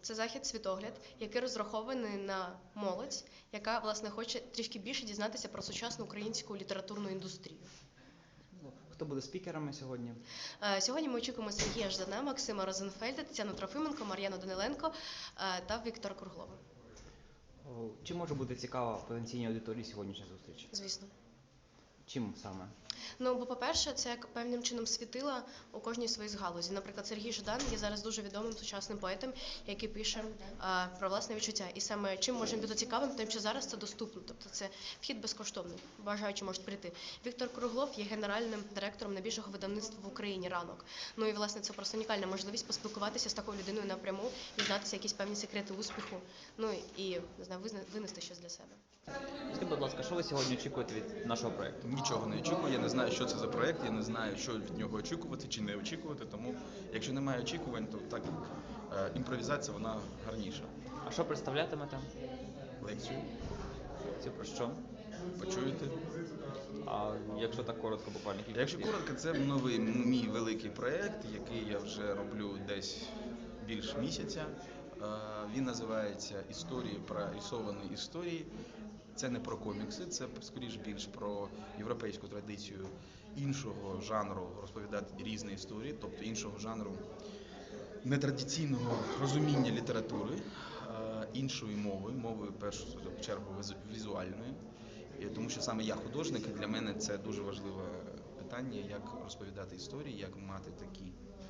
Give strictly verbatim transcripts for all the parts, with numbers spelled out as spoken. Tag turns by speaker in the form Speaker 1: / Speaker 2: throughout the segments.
Speaker 1: Це захід «Світогляд», який розрахований на молодь, яка, власне, хоче трішки більше дізнатися про сучасну українську літературну індустрію.
Speaker 2: Хто буде спікерами сьогодні?
Speaker 1: Е, Сьогодні ми очікуємо Сергія Ждана, Максима Розенфельда, Тетяну Трофименко, Мар'яну Даниленко е, та Віктора Круглова.
Speaker 2: О, Чи може бути цікава потенційній аудиторії сьогоднішня зустріч?
Speaker 1: Звісно.
Speaker 2: Чим саме?
Speaker 1: Ну, бо, по-перше, це як певним чином світила у кожній своїй з галузі. Наприклад, Сергій Ждан є зараз дуже відомим сучасним поетом, який пише а, про власне відчуття. І саме чим можемо бути цікавим, тим, що зараз це доступно. Тобто це вхід безкоштовний, бажаючи можуть прийти. Віктор Круглов є генеральним директором найбільшого видавництва в Україні «Ранок». Ну і, власне, це просто унікальна можливість поспілкуватися з такою людиною напряму, дізнатися якісь певні секрети успіху, ну і, не знаю, винести щось для себе.
Speaker 2: Скажіть, будь ласка, що ви сьогодні очікуєте від нашого проєкту?
Speaker 3: Нічого не очікую, я не знаю, що це за проєкт, я не знаю, що від нього очікувати чи не очікувати, тому якщо немає очікувань, то так, е, імпровізація, вона гарніша.
Speaker 2: А що представлятимете?
Speaker 3: Лекцію
Speaker 2: Це про що?
Speaker 3: почуєте.
Speaker 2: А якщо так коротко, буквально кілька
Speaker 3: Якщо
Speaker 2: слів?
Speaker 3: коротко, це новий мій великий проєкт, який я вже роблю десь більш місяця. Е, Він називається «Історії про рисовані історії». Це не про комікси, це скоріш більш про європейську традицію іншого жанру розповідати різні історії, тобто іншого жанру нетрадиційного розуміння літератури, іншою мовою, мовою в першу чергу візуальною. Тому що саме я художник, і для мене це дуже важливе питання, як розповідати історії, як мати такі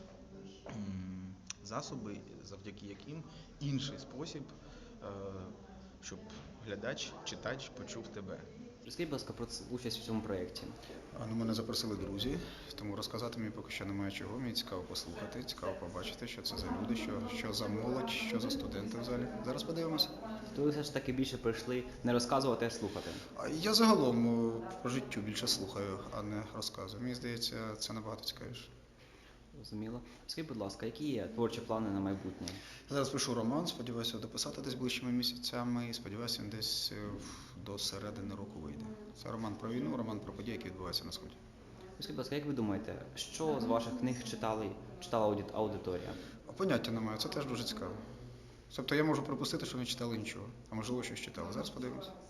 Speaker 3: засоби, завдяки яким інший спосіб, щоб глядач, читач почув тебе.
Speaker 2: Розкажіть, будь ласка, про участь в цьому проєкті.
Speaker 4: Ну, мене запросили друзі, тому розказати мені поки що немає чого. Мені цікаво послухати, цікаво побачити, що це за люди, що, що за молодь, що за студенти в залі. Зараз подивимося.
Speaker 2: То ви все ж таки більше прийшли не розказувати, а слухати?
Speaker 4: Я загалом по життю більше слухаю, а не розказую. Мені здається, це набагато цікавіше.
Speaker 2: Зрозуміло. Скажіть, будь ласка, які є творчі плани на майбутнє?
Speaker 4: Я зараз пишу роман, сподіваюся дописати десь ближчими місяцями і сподіваюся, він десь до середини року вийде. Це роман про війну, роман про події, які відбуваються на Сході.
Speaker 2: Скажіть, будь ласка, як ви думаєте, що з ваших книг читали, читала аудиторія?
Speaker 4: Поняття немає, це теж дуже цікаво. Тобто я можу припустити, що не читали нічого, а можливо щось читали. Зараз подивимося.